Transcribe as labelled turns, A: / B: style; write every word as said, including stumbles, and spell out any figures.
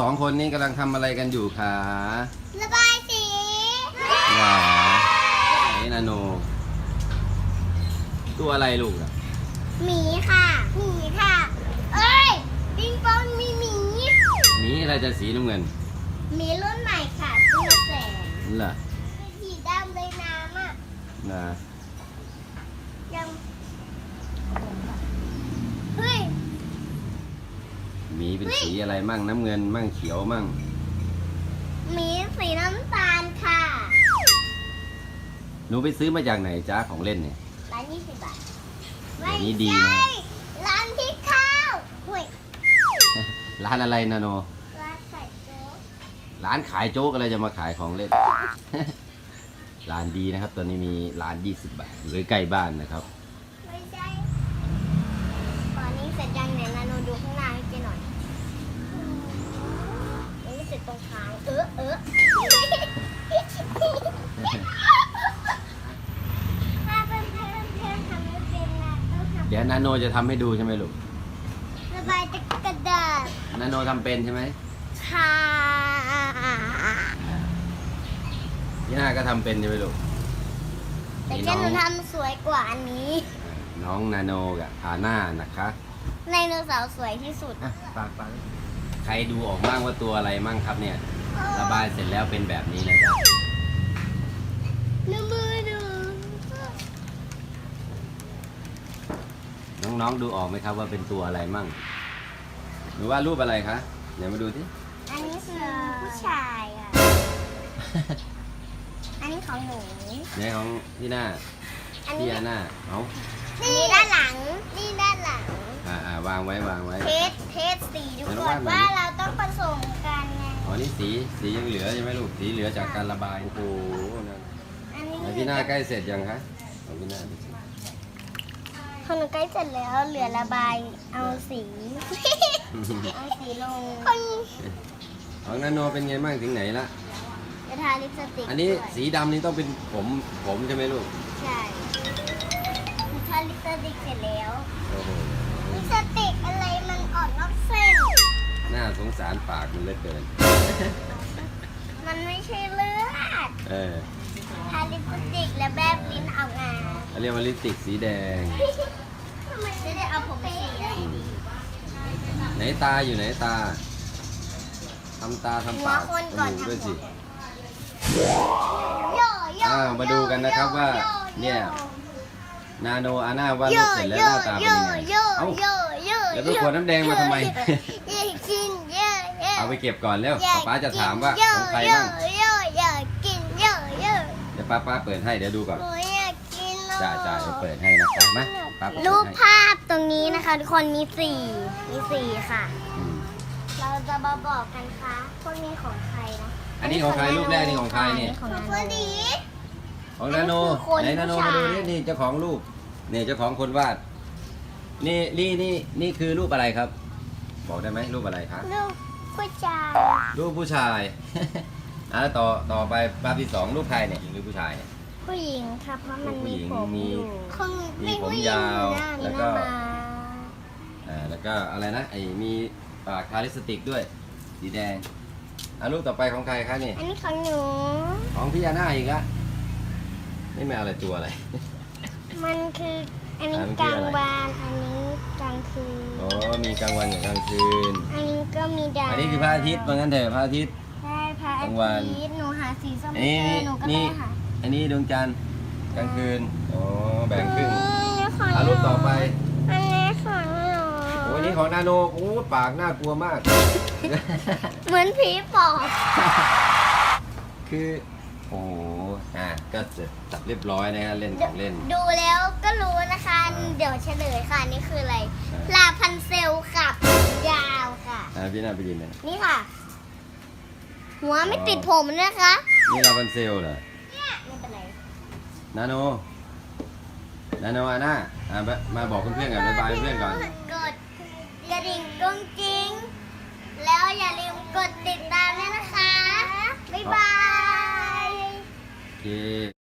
A: องคนนี้กำลังทำอะไรกันอยู่คะ
B: ระบายสี
A: หรอไหนนาโนตัวอะไรลูกอะ
B: หมีค่ะหมีค่ะเอ้ยปิงปองมีหมี
A: หมีอะไรจะสีน้ำเงิน
B: หมีรุ่นใหม่ค่ะสีแสง
A: เหรอ
B: สีดำเลยน้ำอ่ะ
A: นะ
B: ยังเฮ้ย
A: หมีเป็นสีอะไรมั่งน้ำเงินมั่งเขียวมั่ง
B: หมีสีน้ำตาลค่ะ
A: หนูไปซื้อมาจากไหนจ้าของเล่นเนี่ย
B: ร้านยี่สิบบาท
A: ไม่นี่ดีนะ
B: ร้านที่ข้าวเฮ้ย
A: ร้านอะไรนาโน
B: ร้านขายโจ๊ก
A: ร้านขายโจ๊กอะไรจะมาขายของเล่น ร้านดีนะครับตอนนี้มีร้านยี่สิบบาทอยู่ใกล้บ้านนะครับ
B: ไม่ใช่ตอนนี้เสร็จยังเนี่ยนาโนดูข้างหน้าให้เจหน่อยยังไม่เสร็จตรงท้ายเออเออถ้าเพื่อนเพื่อนเพื่อนทำไม่เป็นนะต้องทำ
A: เดี๋ยวนาโนจะทำให้ดูใช่ไหมลูก
B: ระบายจากกระดาษ
A: นาโนทำเป็นใช่ไหม
B: ค่ะ
A: พี่นาก็ทำเป็นใช่ไหมลูก
B: แต่แค่หนูทำสวยกว่าอันนี้
A: น้องนาโนกับอาน่านะคะ
B: ไดโนเสาร์สวยที่สุด
A: ปากปากใครดูออกบ้างว่าตัวอะไรมั่งครับเนี่ยระบายเสร็จแล้วเป็นแบบนี้นะจ๊ะ
B: น้ำมือดู
A: น้องๆดูออกไหมครับว่าเป็นตัวอะไรมั่งหรือว่ารูปอะไรคะเดี๋ยวมาดูที่
B: อันนี้คือผู้ชายอ่ะ อันนี้ของหนู
A: เนี่ยของพี่หน้าพี่อาน่าเอา
B: นี่ด้านหลังนี่ด้านหลัง
A: อ่าอ่าวางไว้วางไว้
B: เทสเทสสีดูก่อนว่าเราต้องผสมกันไง
A: อ๋อนี่สีสียังเหลือใช่ไหมลูกสีเหลือจากการระบายโอ้โหนั่นพี่หน้าใกล้เสร็จยังคะของพี่หน้า
B: ของหนูใกล้เสร็จแล้วเหลือระบายเอาสีเอาสีลง
A: ของนาโนเป็นไงบ้างถึงไหนละ
B: จะทาลิปสติก
A: อันนี้สีดำนี่ต้องเป็นผมผมใช่ไหมลูก
B: ใช่ทาลิปสติกเสร็จแล้ว
A: โอ้โห
B: ลิปสติกอะไรมันออกนอกเส้น
A: น่าสงสารปากมันเหลือเกิน
B: มันไม่ใช่เลือด
A: เออ
B: ทาลิปสติกแล้วแบบลิ้นออกมา
A: เรียกว่าลิปสติกสีแดง
B: ทำไมจะได้เอาผมสีแดง
A: ไหนตาอยู่ไหนตาทำตาทำปากดูด้วยสิอ้าวมาดูกันนะครับว่าเนี่ยนาโนอาน่าวาดรูปเสร็จแล้วหน้าตาเป็นยังไงเอ้าแล้วตัวขวดน้ำแดงมาทำไมเอาไปเก็บก่อนแล้วป๊าจะถามว่าของใครบ้างเดี๋ยวป้าป้าเปิดให้เดี๋ยวดูก่อนจ่าจ่าจะเปิดให้นะคะมา
B: รูปภาพตรงนี้นะคะทุกคนมีสี่มีสี่ค่ะเราจะมาบอกกันค่ะพวกนี้ของใครนะ
A: อันนี้ของใครรูปแรกนี่ของใครเนี่ย
B: ของนาโน
A: ของนาโนไหนนาโนมาดูนี่นี่เจ้าของรูปนี่เจ้าของคนวาดนี่นี่นี่นี่คือรูปอะไรครับบอกได้ไหมรูปอะไรครับ
B: รูปผู้ชาย
A: รูปผู้ชายอ่ะต่อต่อไปภาพที่สองรูปใครเนี่ยหญิงหรือผู้ชายเนี่ย
B: ผู้หญิงค่ะเพราะมันมีผม
A: มีมีผมยาวแล้วก็อ่าแล้วก็อะไรนะไอ้มีปากทาลิปสติกด้วยสีแดงอ่ะรูปต่อไปของใครคะนี่
B: อันนี้ของหนู
A: ของพี่อาน่าอีกละนี่ไม่อะไรตัวอะไร
B: มันคืออันนี้กลางวันอันนี้กลางคืน
A: โอ้มีกลางวันกับกลางคืน
B: อันนี้ก็มีดาว
A: อันนี้คือพระอาทิตย์ว่างั้นเถอะพระอาทิตย์
B: ใช่พระอาทิตย์หนูหาสีส้ม
A: ไม่
B: เจอหนูก็ได้หา
A: อันนี้ดวงจันทร์กลางคืนโอ้แบ่งครึ่งอ่ะรูปต่อไป
B: อันนี้ของหนู
A: โอ้นี่ของนาโนโอ้ปากน่ากลัวมาก
B: เหมือนผีปอบ
A: คือโอ้อ่ะก็เสร็จจับเรียบร้อยนะฮะเล่นของเล่น
B: ดูแล้วก็รู้นะคะเดี๋ยวเฉลยค่ะนี่คืออะไรลาพันเซลกับยาวค่ะ
A: อ่าพี่นาไปดินเลย
B: นี่ค่ะหัวไม่ติดผมนะคะ
A: นี่ลาพันเซลเหรอ
B: ไม่เป็นไร
A: นาโนนาโนอาน่าอ่ะมาบอกเพื่อนๆก่อนบ๊ายบายเพื่อนก่อน
B: กดกระดิ่งกุ้งกิ้งแล้วอย่าลืมกดติดตามด้วยนะคะบ๊ายบาย
A: โอเค